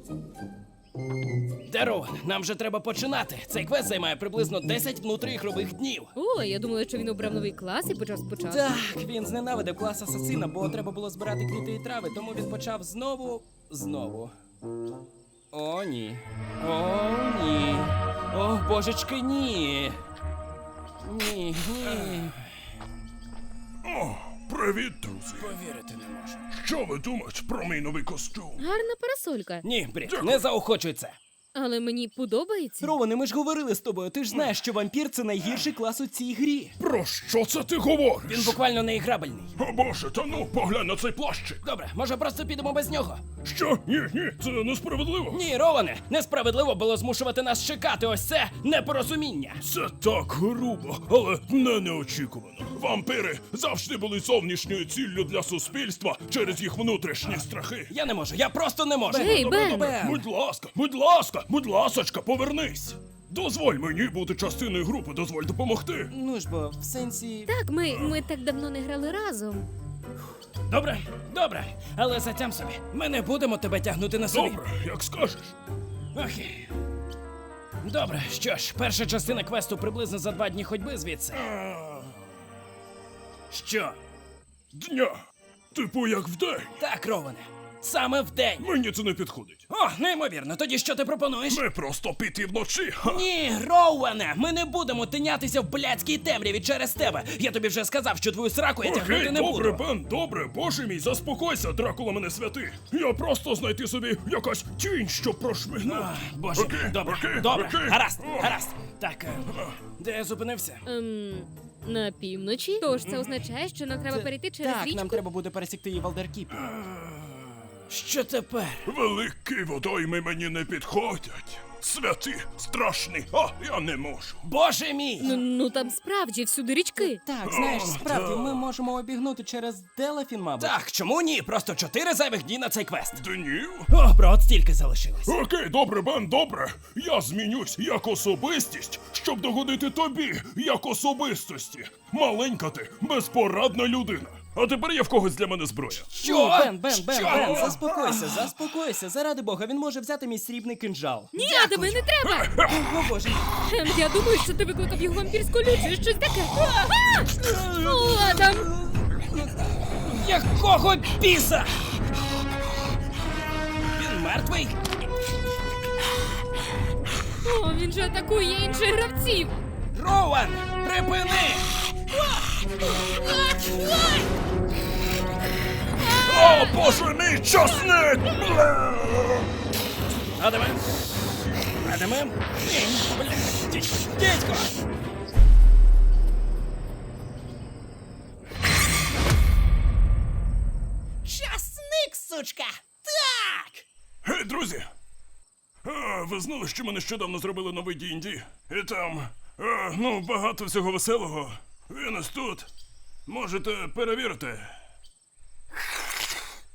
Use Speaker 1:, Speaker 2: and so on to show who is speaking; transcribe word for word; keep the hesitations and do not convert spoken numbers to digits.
Speaker 1: Дарован, нам вже треба починати. Цей квест займає приблизно десять внутріігрових днів.
Speaker 2: О, я думала, що він обрав новий клас і почав спочатку.
Speaker 1: Так, він зненавидив клас асасина, бо треба було збирати квіти і трави, тому він почав знову, знову. О, ні. О, ні. О, божечки, ні. Ні, ні.
Speaker 3: О, привіт, друзі.
Speaker 1: Повірити не можу.
Speaker 3: Що ви думаєте про мій новий костюм?
Speaker 2: Гарна парасолька.
Speaker 1: Ні, Брід, не заохочуй це.
Speaker 2: Але мені подобається.
Speaker 1: Роване, ми ж говорили з тобою, ти ж знаєш, що вампір — це найгірший клас у цій грі.
Speaker 3: Про що це ти говориш?
Speaker 1: Він буквально неіграбельний.
Speaker 3: О боже, та ну, поглянь на цей плащик.
Speaker 1: Добре, може просто підемо без нього?
Speaker 3: Що? Ні, ні, це несправедливо.
Speaker 1: Ні, Роване, несправедливо було змушувати нас чекати, ось це непорозуміння.
Speaker 3: Це так грубо, але не неочікувано. Вампири завжди були зовнішньою ціллю для суспільства через їх внутрішні страхи.
Speaker 1: Я не можу, я просто не можу.
Speaker 2: Ей, Бен!
Speaker 1: Бен!
Speaker 3: Будь ласка, будь ласка, будь ласочка, повернись. Дозволь мені бути частиною групи, дозволь допомогти.
Speaker 1: Ну ж бо, в сенсі...
Speaker 2: Так, ми, ми так давно не грали разом.
Speaker 1: Добре, добре, але затям собі. Ми не будемо тебе тягнути на собі.
Speaker 3: Добре, як скажеш.
Speaker 1: Окей. Добре, що ж, перша частина квесту приблизно за два дні ходьби звідси. Що?
Speaker 3: Дня. Типу як вдень.
Speaker 1: Так, Роване, саме вдень.
Speaker 3: Мені це не підходить.
Speaker 1: О, неймовірно, тоді що ти пропонуєш?
Speaker 3: Ми просто піти вночі. Ха.
Speaker 1: Ні, Роуене, ми не будемо тинятися в блядській темряві через тебе. Я тобі вже сказав, що твою сраку я тягнути
Speaker 3: Окей,
Speaker 1: не
Speaker 3: добре,
Speaker 1: буду.
Speaker 3: Бен, добре, боже мій, заспокойся, Дракула мене святий. Я просто знайти собі якась тінь, щоб прошмигнути.
Speaker 1: А, Боже,
Speaker 3: Окей,
Speaker 1: добре,
Speaker 3: окей,
Speaker 1: добре,
Speaker 3: окей.
Speaker 1: гаразд,
Speaker 3: О.
Speaker 1: гаразд. Так, е, де я зупинився?
Speaker 2: Ем, на півночі? Тож це означає, що нам треба перейти через
Speaker 1: так,
Speaker 2: річку?
Speaker 1: нам треба буде пересікти її в Алдеркіпі. Що тепер?
Speaker 3: Великі водойми мені не підходять. Святі, страшні, а я не можу.
Speaker 1: Боже мій!
Speaker 2: Ну, ну там справді всюди річки.
Speaker 1: Так, знаєш,
Speaker 3: О,
Speaker 1: справді,
Speaker 3: так.
Speaker 1: ми можемо обігнути через Делафін, мабуть. Так, чому ні? Просто чотири зайвих дні на цей квест.
Speaker 3: Днів?
Speaker 1: О, бро, от стільки залишилось.
Speaker 3: Окей, добре, Бен, добре. Я змінюсь як особистість, щоб догодити тобі, як особистості. Маленька ти, безпорадна людина. А тепер є в когось для мене зброя.
Speaker 1: Що? Ні, Бен, Бен, Бен,
Speaker 3: Що?
Speaker 1: Бен, заспокойся, заспокойся. Заради Бога, він може взяти мій срібний кинджал.
Speaker 2: Ні, а тебе не треба!
Speaker 1: О, Боже.
Speaker 2: Ем, я думаю, що ти викликав його вампірську лють чи щось таке. А! О, Адам!
Speaker 1: Якого біса? Він мертвий?
Speaker 2: О, він же атакує інших гравців!
Speaker 1: Роуан, припини!
Speaker 3: О, боже мій, часник! Бля!
Speaker 1: Адаме? Адаме? Ні, бля, дідько, дідько! Часник, сучка! Так!
Speaker 3: Гей, друзі! А, ви знали, що ми нещодавно зробили новий ді енд ді? І там, а, ну, багато всього веселого. Він ось тут. Можете перевірити.